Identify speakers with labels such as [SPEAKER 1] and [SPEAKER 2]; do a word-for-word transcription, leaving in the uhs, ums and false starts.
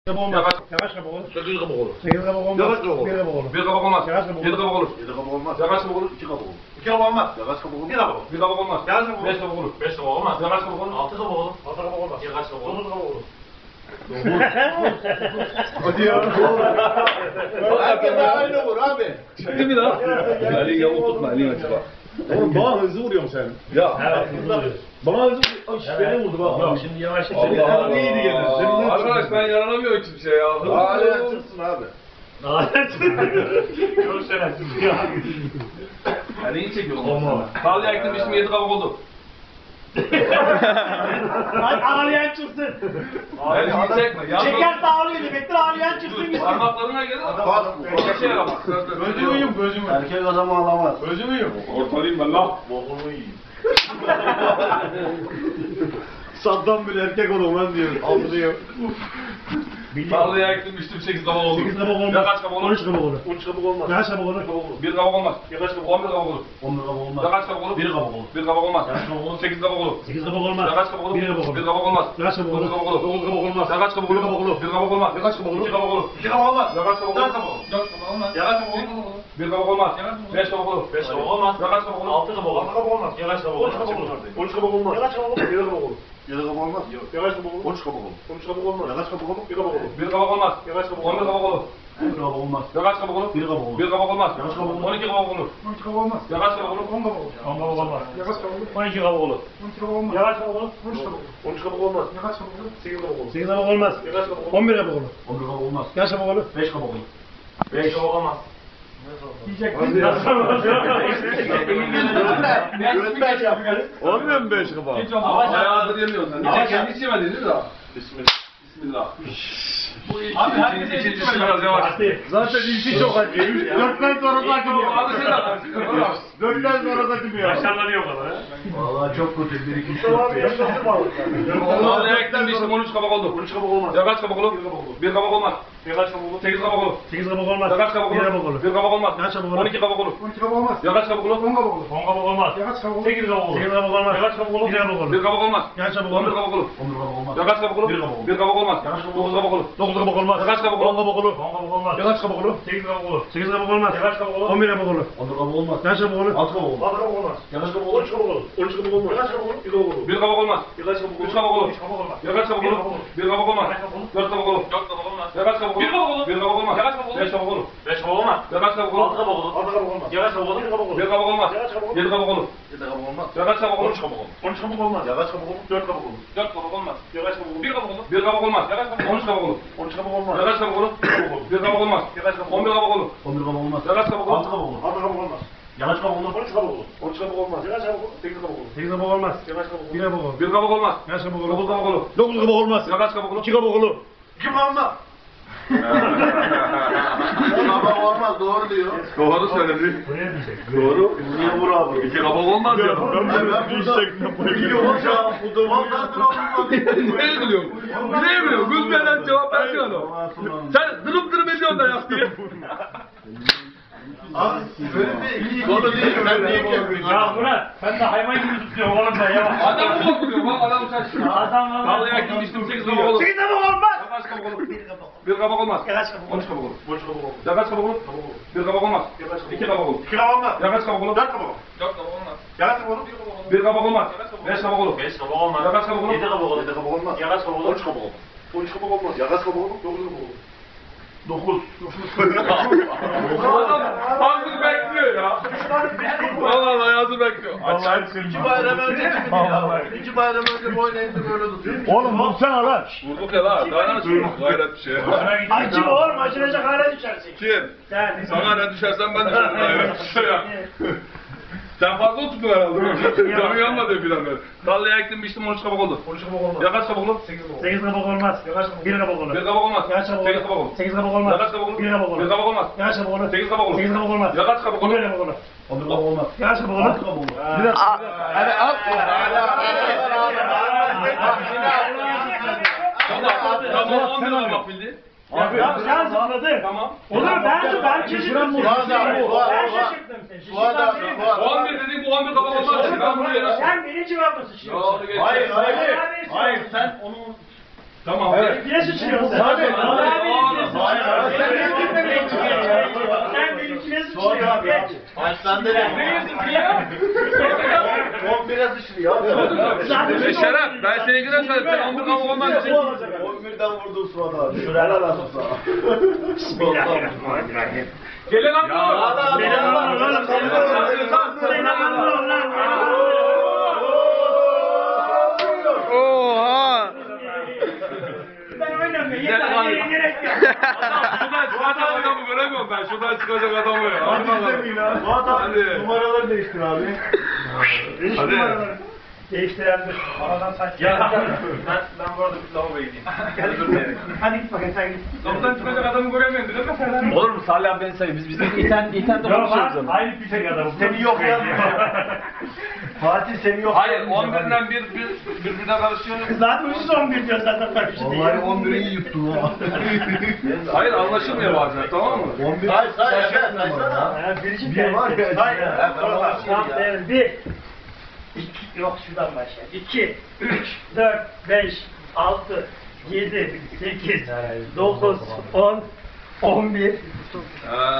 [SPEAKER 1] Olmaz. Yavaş kabuk olur.
[SPEAKER 2] Sekiz kabuk olur.
[SPEAKER 1] Sekiz kabuk olmaz.
[SPEAKER 2] Yavaş kabuk olur.
[SPEAKER 1] Bir kabuk olur.
[SPEAKER 2] Bir kabuk olmaz.
[SPEAKER 1] Yavaş kabuk olur.
[SPEAKER 2] Yedi kabuk olur.
[SPEAKER 3] Yedi kabuk olmaz.
[SPEAKER 2] Yavaş kabuk olur.
[SPEAKER 3] İki kabuk olur.
[SPEAKER 2] İki kabuk olmaz.
[SPEAKER 3] Yavaş kabuk olur.
[SPEAKER 2] Bir kabuk. Bir kabuk olmaz.
[SPEAKER 1] Yavaş kabuk olur.
[SPEAKER 2] Beş kabuk olur.
[SPEAKER 4] Beş kabuk olmaz.
[SPEAKER 2] Yavaş kabuk olur.
[SPEAKER 4] Altı kabuk olur.
[SPEAKER 1] Altı kabuk olmaz.
[SPEAKER 4] Yavaş kabuk olur.
[SPEAKER 1] Dokuz kabuk olur.
[SPEAKER 3] Hadi ya. Herkes aynı vur abi.
[SPEAKER 2] Değil mi lan? Elin yamuk tutma. Elin açık bak.
[SPEAKER 3] Oğlum bana hızlı vuruyorsun sen.
[SPEAKER 2] Ya.
[SPEAKER 1] Evet, hızlı vuruyoruz.
[SPEAKER 3] Bana hızlı vuruyorsun. Ay beni vurdu bak.
[SPEAKER 1] Yok şimdi yavaş yavaş.
[SPEAKER 3] Allah Allah. İyiydi gene. Senin
[SPEAKER 2] Arkadaş ben yaranamıyorum hiçbir şey ya.
[SPEAKER 3] Hala çıksın abi.
[SPEAKER 1] Çok şerefsiz ya.
[SPEAKER 2] Yani iyi çekiyor.
[SPEAKER 1] Olma.
[SPEAKER 2] Tarlaya ektim işim yedi kabuk oldu.
[SPEAKER 1] Hadi ağlayan çıksın.
[SPEAKER 2] Yani iyi çekme. Yalnız
[SPEAKER 1] Çekerse ağlıyor demektir, ağlayan çıksın gitsin.
[SPEAKER 2] parmaklarına gelir.
[SPEAKER 3] Bak.
[SPEAKER 2] Bir şey yaramaz.
[SPEAKER 3] Gözümü yum gözümü. Erkek adam ağlamaz.
[SPEAKER 2] Gözümü yum. Ortalayayım ben lan.
[SPEAKER 3] Bokumu yiyeyim. Saddam bile erkek olmaz diyor. Aldırıyor.
[SPEAKER 2] Tarlaya ektim iştim sekiz kabuk oldu.
[SPEAKER 1] Sekiz kabuk olmaz.
[SPEAKER 2] Ya kaç kabuk olur?
[SPEAKER 1] On üç kabuk olur.
[SPEAKER 3] on üç kabuk olmaz.
[SPEAKER 1] Kaç kabuk olur?
[SPEAKER 2] Bir kabuk olmaz.
[SPEAKER 3] Kaç kabuk
[SPEAKER 2] On bir kabuk olur.
[SPEAKER 3] on bir kabuk olmaz.
[SPEAKER 2] Ya kaç kabuk olur?
[SPEAKER 3] Bir kabuk olur.
[SPEAKER 2] Bir kabuk olmaz.
[SPEAKER 3] Kaç kabuk olur?
[SPEAKER 2] Sekiz kabuk olur.
[SPEAKER 1] Sekiz kabuk olmaz.
[SPEAKER 2] Ya kaç kabuk olur?
[SPEAKER 1] Bir kabuk olur.
[SPEAKER 2] Bir kabuk olmaz.
[SPEAKER 1] Kaç kabuk olur?
[SPEAKER 2] Dokuz kabuk olur.
[SPEAKER 3] Dokuz kabuk olmaz.
[SPEAKER 2] Ya kaç kabuk olur?
[SPEAKER 3] Bir kabuk olur.
[SPEAKER 2] Bir kabuk olmaz.
[SPEAKER 3] Ya kaç kabuk olur?
[SPEAKER 2] İki kabuk olur.
[SPEAKER 3] İki kabuk olmaz.
[SPEAKER 2] Ya kaç kabuk olur?
[SPEAKER 3] Dört kabuk olur.
[SPEAKER 4] Dört kabuk olmaz.
[SPEAKER 3] Ya kaç kabuk olur?
[SPEAKER 2] Bir kabuk olmaz. Beş kabuk olur.
[SPEAKER 4] Beş kabuk olmaz.
[SPEAKER 2] Ya kaç kabuk olur?
[SPEAKER 4] Altı kabuk olur.
[SPEAKER 3] Altı kabuk olmaz.
[SPEAKER 4] Yavaş kabuk
[SPEAKER 3] on
[SPEAKER 4] olur.
[SPEAKER 3] üç kabuk olur. on üç kabuk olmaz.
[SPEAKER 1] Ya kaç kabuk olur?
[SPEAKER 3] Yedi kabuk olur. Yedi kabuk olmaz. Yavaş kabuk olur. on üç kabuk olur. on üç kabuk olmaz. Yavaş kabuk olur. Bir kabuk olur.
[SPEAKER 2] Bir kabuk olmaz.
[SPEAKER 3] Yavaş kabuk
[SPEAKER 2] On bir kabuk olur.
[SPEAKER 3] Bir kabuk olmaz.
[SPEAKER 2] Ya kaç kabuk olur?
[SPEAKER 3] Bir kabuk olur.
[SPEAKER 2] Bir kabuk olmaz.
[SPEAKER 3] Ya kaç kabuk olur?
[SPEAKER 2] On iki kabuk olur.
[SPEAKER 3] on üç kabuk olmaz.
[SPEAKER 2] Ya kaç kabuk olur?
[SPEAKER 3] on kabuk olur.
[SPEAKER 1] On kabuk olmaz.
[SPEAKER 3] Yavaş kabuk olur.
[SPEAKER 1] On iki kabuk olur.
[SPEAKER 3] on iki kabuk olmaz.
[SPEAKER 1] Yavaş kabuk olur.
[SPEAKER 3] on üç kabuk olur. on üç kabuk olmaz. Ya kaç kabuk olur? sekiz kabuk olur.
[SPEAKER 1] Sekiz kabuk olmaz.
[SPEAKER 3] Ya kaç kabuk olur?
[SPEAKER 1] On bir kabuk olur.
[SPEAKER 3] on bir kabuk olmaz.
[SPEAKER 1] Kaç kabuk olur?
[SPEAKER 3] beş kabuk olur.
[SPEAKER 4] Beş kabuk olmaz.
[SPEAKER 1] Diyecektin. Nasıl olmaz?
[SPEAKER 3] Gönder yapıyor.
[SPEAKER 5] Olmuyor mu beş kapağı?
[SPEAKER 2] Hiç olmaz. Bayağıdır yemiyorsun sen.
[SPEAKER 4] Ama
[SPEAKER 2] Ama kendi içemedin değil mi daha?
[SPEAKER 3] Bismillah.
[SPEAKER 2] Bismillah. Bu ilk
[SPEAKER 4] Abi,
[SPEAKER 2] ikinci,
[SPEAKER 4] herkese
[SPEAKER 2] ikinci,
[SPEAKER 4] içemedi.
[SPEAKER 2] biraz yavaş.
[SPEAKER 1] Hadi.
[SPEAKER 3] Zaten ilki çok acı. Dörtten sonra da acımıyor.
[SPEAKER 2] Abi sen de.
[SPEAKER 3] Dörtten sonra da acımıyor.
[SPEAKER 1] Yaşanlanıyor o kadar ha.
[SPEAKER 3] Vallahi çok kötü. Bir iki üç dört beş.
[SPEAKER 2] Tarlaya ektim iştim on üç kabuk oldu.
[SPEAKER 3] on üç kabuk olmaz.
[SPEAKER 2] Ya kaç kabuk olur? Bir kabuk olmaz.
[SPEAKER 3] Ya kaç kabuk olur?
[SPEAKER 2] Sekiz kabuk olur.
[SPEAKER 1] Sekiz kabuk olmaz.
[SPEAKER 2] Ya kaç kabuk
[SPEAKER 1] Bir
[SPEAKER 2] olur?
[SPEAKER 1] kabuk olur.
[SPEAKER 2] Bir kabuk olmaz.
[SPEAKER 1] Kaç kabuk olur?
[SPEAKER 2] On iki kabuk olur.
[SPEAKER 3] on iki kabuk olmaz.
[SPEAKER 2] Ya kaç kabuk olur?
[SPEAKER 3] on kabuk olur.
[SPEAKER 1] On kabuk olmaz.
[SPEAKER 3] Ya kaç kabuk olur?
[SPEAKER 1] Sekiz kabuk olur. Sekiz kabuk olmaz.
[SPEAKER 3] Ya kaç kabuk olur?
[SPEAKER 1] Bir kabuk olur.
[SPEAKER 2] Bir kabuk olmaz.
[SPEAKER 1] Kaç kabuk
[SPEAKER 2] On bir
[SPEAKER 1] olur?
[SPEAKER 2] kabuk olur.
[SPEAKER 3] on bir kabuk olmaz.
[SPEAKER 2] Ya kaç kabuk olur?
[SPEAKER 3] Bir kabuk olur.
[SPEAKER 2] Bir kabuk olmaz.
[SPEAKER 3] Ya kaç kabuk
[SPEAKER 2] Dokuz
[SPEAKER 3] olur?
[SPEAKER 2] kabuk olur.
[SPEAKER 1] Dokuz kabuk olmaz.
[SPEAKER 2] Ya kaç kabuk olur?
[SPEAKER 1] On kabuk olur. On kabuk olmaz.
[SPEAKER 3] Ya kaç kabuk olur?
[SPEAKER 1] Sekiz kabuk olur. Sekiz kabuk olmaz.
[SPEAKER 3] Ya kaç kabuk olur?
[SPEAKER 1] On bir kabuk olur.
[SPEAKER 3] on bir kabuk olmaz.
[SPEAKER 1] Kaç kabuk olur?
[SPEAKER 3] altı kabuk olur. altı kabuk olmaz. Ya kaç kabuk olur? on üç kabuk olur. on üç kabuk olmaz. Ya kaç kabuk olur? bir kabuk olur.
[SPEAKER 2] Bir kabuk olmaz.
[SPEAKER 3] Ya kaç kabuk olur?
[SPEAKER 2] Üç kabuk olur.
[SPEAKER 3] üç kabuk olmaz.
[SPEAKER 2] Ya kaç kabuk olur? Bir kabuk olmaz. Dört kabuk olur.
[SPEAKER 4] Dört kabuk olmaz.
[SPEAKER 2] Ya kaç kabuk olur?
[SPEAKER 4] Bir kabuk olur.
[SPEAKER 2] Bir kabuk olmaz.
[SPEAKER 4] Ya kaç kabuk olur?
[SPEAKER 2] Beş kabuk olur.
[SPEAKER 4] Beş kabuk olmaz.
[SPEAKER 2] Ya kaç kabuk olur?
[SPEAKER 4] Altı kabuk olur.
[SPEAKER 3] altı kabuk olmaz.
[SPEAKER 4] Yavaş kabuk olur.
[SPEAKER 3] bir kabuk olur.
[SPEAKER 2] Bir kabuk olmaz.
[SPEAKER 3] Ya kaç kabuk olur?
[SPEAKER 2] Yedi kabuk olur.
[SPEAKER 3] yedi kabuk olmaz.
[SPEAKER 2] Ya kaç kabuk
[SPEAKER 3] on
[SPEAKER 2] olur?
[SPEAKER 3] üç kabuk olur. on üç kabuk olmaz. Ya kaç kabuk olur? dört kabuk olur.
[SPEAKER 4] Dört kabuk olmaz.
[SPEAKER 3] Ya kaç kabuk olur?
[SPEAKER 4] Bir kabuk olur.
[SPEAKER 2] Bir kabuk olmaz. Ya kaç kabuk? On üç kabuk olur.
[SPEAKER 3] on üç kabuk olmaz.
[SPEAKER 2] Ya kaç kabuk olur? Bir kabuk olmaz.
[SPEAKER 3] Ya kaç kabuk
[SPEAKER 2] On bir kabuk olur.
[SPEAKER 3] on bir kabuk olmaz.
[SPEAKER 2] Ya kaç kabuk olur?
[SPEAKER 3] altı kabuk olur. altı kabuk olmaz. Ya kaç kabuk olur? on üç kabuk olur. on üç kabuk olmaz. Ya kaç kabuk olur? sekiz kabuk olur.
[SPEAKER 1] Sekiz kabuk olmaz.
[SPEAKER 3] Ya kaç kabuk olur?
[SPEAKER 1] Bir kabuk olur.
[SPEAKER 2] Bir kabuk olmaz.
[SPEAKER 1] Kaç kabuk olur?
[SPEAKER 2] Dokuz kabuk olur.
[SPEAKER 1] Dokuz kabuk olmaz.
[SPEAKER 2] Ya kaç kabuk olur?
[SPEAKER 1] İki kabuk olur.
[SPEAKER 3] İki kabuk olmaz. Kabuk olmaz. Doğru diyor.
[SPEAKER 2] Doğru söyledi.
[SPEAKER 1] Buraya diyecek.
[SPEAKER 2] Doğru.
[SPEAKER 3] Niye vur abi?
[SPEAKER 2] İki kabuk olmaz ya.
[SPEAKER 3] Ben burada biliyorum. Bu da vallahi
[SPEAKER 2] Neye gülüyorsun? Neye gülüyorsun? Gülmeden cevap versene adam. Sen dırıp dırıp ediyorsun da yap diye.
[SPEAKER 3] Abi böyle bir iki konu değil. Ben niye yapıyorsun?
[SPEAKER 1] Ya Murat sen de hayvan gibi tutuyorsun oğlum da ya.
[SPEAKER 2] Adam mı korkuyor? Bak adam şaşırıyor.
[SPEAKER 1] Adam valla.
[SPEAKER 2] Vallahi yaktım içtim sekiz kabuk olur.
[SPEAKER 1] Sekiz kabuk olmaz.
[SPEAKER 2] Ya kaç kabuk olur? Bir kabuk olmaz.
[SPEAKER 1] Ya kaç kabuk
[SPEAKER 2] On
[SPEAKER 1] olur?
[SPEAKER 2] üç kabuk olur.
[SPEAKER 3] Boş kabuk olur.
[SPEAKER 2] Ya kaç kabuk olur? Bir kabuk olmaz. İki kabuk olur.
[SPEAKER 3] İki kabuk olmaz.
[SPEAKER 2] Ya kaç kabuk olur?
[SPEAKER 3] Dört kabuk olur.
[SPEAKER 4] Dört kabuk olmaz.
[SPEAKER 3] Ya kaç kabuk olur?
[SPEAKER 2] Bir kabuk olmaz. Beş kabuk olur.
[SPEAKER 4] Beş kabuk olmaz.
[SPEAKER 2] Ya kaç kabuk olur?
[SPEAKER 4] Yedi kabuk olur.
[SPEAKER 3] Yedi kabuk olmaz.
[SPEAKER 4] Ya kaç kabuk olur?
[SPEAKER 3] on üç kabuk olur. on üç kabuk olmaz. Ya kaç kabuk olur? dokuz kabuk olur. dokuz.
[SPEAKER 2] Adam hazır bekliyor ya. Vallahi hazır bekliyor. Aç.
[SPEAKER 3] İki bayram önce çıktı ya. İki bayram önce boyun eğdi böyle tutuyor.
[SPEAKER 1] Oğlum vursana lan.
[SPEAKER 2] Vurduk ya lan. Daha ne açıyorsun? Gayret bir şey.
[SPEAKER 1] Acı oğlum acınacak hale düşersin.
[SPEAKER 2] Kim?
[SPEAKER 1] Sen.
[SPEAKER 2] Sana ne düşersen ben düşerim. Gayret bir şey ya. Sen fazla otuttun herhalde. Canı yanmadı filan böyle. Tarlaya ektim biçtim on üç kabuk oldu.
[SPEAKER 3] on üç kabuk olmaz.
[SPEAKER 2] Ya kaç kabuk olur?
[SPEAKER 3] sekiz kabuk olur.
[SPEAKER 1] Sekiz kabuk olmaz. Bir kabuk olur.
[SPEAKER 2] Bir kabuk olmaz.
[SPEAKER 1] Kaç kabuk
[SPEAKER 2] Sekiz kabuk
[SPEAKER 1] olur?
[SPEAKER 2] olur.
[SPEAKER 1] Sekiz kabuk olmaz.
[SPEAKER 2] Ya kaç kabuk olur?
[SPEAKER 1] Bir kabuk olur.
[SPEAKER 2] Bir kabuk olmaz.
[SPEAKER 1] Kaç kabuk olur?
[SPEAKER 2] Sekiz kabuk olur.
[SPEAKER 1] Sekiz kabuk olmaz.
[SPEAKER 2] Ya kaç kabuk olur?
[SPEAKER 1] Bir kabuk olur.
[SPEAKER 3] on bir kabuk olmaz.
[SPEAKER 1] Kaç kabuk olur?
[SPEAKER 3] altı kabuk olur.
[SPEAKER 1] Bir dakika.
[SPEAKER 3] Hadi al.
[SPEAKER 2] Tamam on bir kabuk bildi.
[SPEAKER 1] Abi ya sen zıpladın.
[SPEAKER 2] Tamam.
[SPEAKER 1] Olur ben ben şaşırdım.
[SPEAKER 3] Bu adam, bu adam.
[SPEAKER 1] Ben şaşırdım sen.
[SPEAKER 3] Bu adam,
[SPEAKER 1] Şaşırdım.
[SPEAKER 3] bu adam.
[SPEAKER 2] on bir dedik bu on bir kabuk olmaz. Ben bunu yere.
[SPEAKER 1] Sen beni cevapla sıçıyorsun.
[SPEAKER 2] Doğru geç.
[SPEAKER 3] Hayır, hayır.
[SPEAKER 1] Hayır.
[SPEAKER 3] Hayır, sen onu...
[SPEAKER 2] Tamam.
[SPEAKER 3] Evet.
[SPEAKER 1] Yine sıçıyorsun sen.
[SPEAKER 3] Hadi.
[SPEAKER 4] Başlandı lan.
[SPEAKER 2] Ne yiyorsun ki ya?
[SPEAKER 4] on bire sıçrı ya.
[SPEAKER 2] E Şeref, ben seni güne söyledim. Sen on bir kabuk olmaz diyeceksin.
[SPEAKER 4] on birden vurdum Suat abi. Şuraya lan sana.
[SPEAKER 1] Bismillahirrahmanirrahim.
[SPEAKER 2] Gelin lan bu.
[SPEAKER 4] Adam
[SPEAKER 1] Benim
[SPEAKER 4] adam
[SPEAKER 1] oğlum, oğlum,
[SPEAKER 4] adam
[SPEAKER 1] senin
[SPEAKER 4] adam
[SPEAKER 1] oğlum.
[SPEAKER 4] adam
[SPEAKER 1] Senin oğlum lan.
[SPEAKER 5] Oha!
[SPEAKER 1] Ben oynamıyorum.
[SPEAKER 2] Gel
[SPEAKER 1] Yeter.
[SPEAKER 2] lan.
[SPEAKER 1] Gerek gerek yok.
[SPEAKER 2] Şuradan çıkacak adamı göremiyorum ben. Şuradan çıkacak adamı ya. Hadi bakalım.
[SPEAKER 4] Suat abi
[SPEAKER 2] Hadi.
[SPEAKER 4] numaraları değiştir abi.
[SPEAKER 2] Hadi.
[SPEAKER 1] Değiştirendir. Aradan saç.
[SPEAKER 3] Ya ben ben bu arada bir lavaboya gideyim.
[SPEAKER 1] Hadi git bakayım sen git.
[SPEAKER 2] Kapıdan çıkacak adamı göremiyorum. Değil mi sen?
[SPEAKER 3] Olur mu Salih abi beni sayın. Biz bizden iten iten de
[SPEAKER 1] Yok
[SPEAKER 3] konuşuyoruz
[SPEAKER 1] lan.
[SPEAKER 3] ama.
[SPEAKER 1] Aynı pisek adamı.
[SPEAKER 4] Seni yok yazmıyor. Fatih seni yok
[SPEAKER 2] Hayır,
[SPEAKER 4] yazmıyor.
[SPEAKER 2] on birinden bir, bir, birbirine karışıyor.
[SPEAKER 1] Zaten ucuz on bir diyor zaten karşı değil.
[SPEAKER 4] Vallahi on biri iyi yuttun ha.
[SPEAKER 2] Hayır, anlaşılmıyor bazen, tamam mı?
[SPEAKER 4] on bir
[SPEAKER 6] Say, say, say, saysana.
[SPEAKER 1] Ha, birinci
[SPEAKER 4] Bir var ya.
[SPEAKER 1] Hayır.
[SPEAKER 4] Ya,
[SPEAKER 1] Tamam,
[SPEAKER 4] tamam.
[SPEAKER 1] evet, bir. İki, yok şuradan başla. İki, üç, dört, beş, altı, yedi, sekiz, dokuz, on, on bir.
[SPEAKER 2] Ee,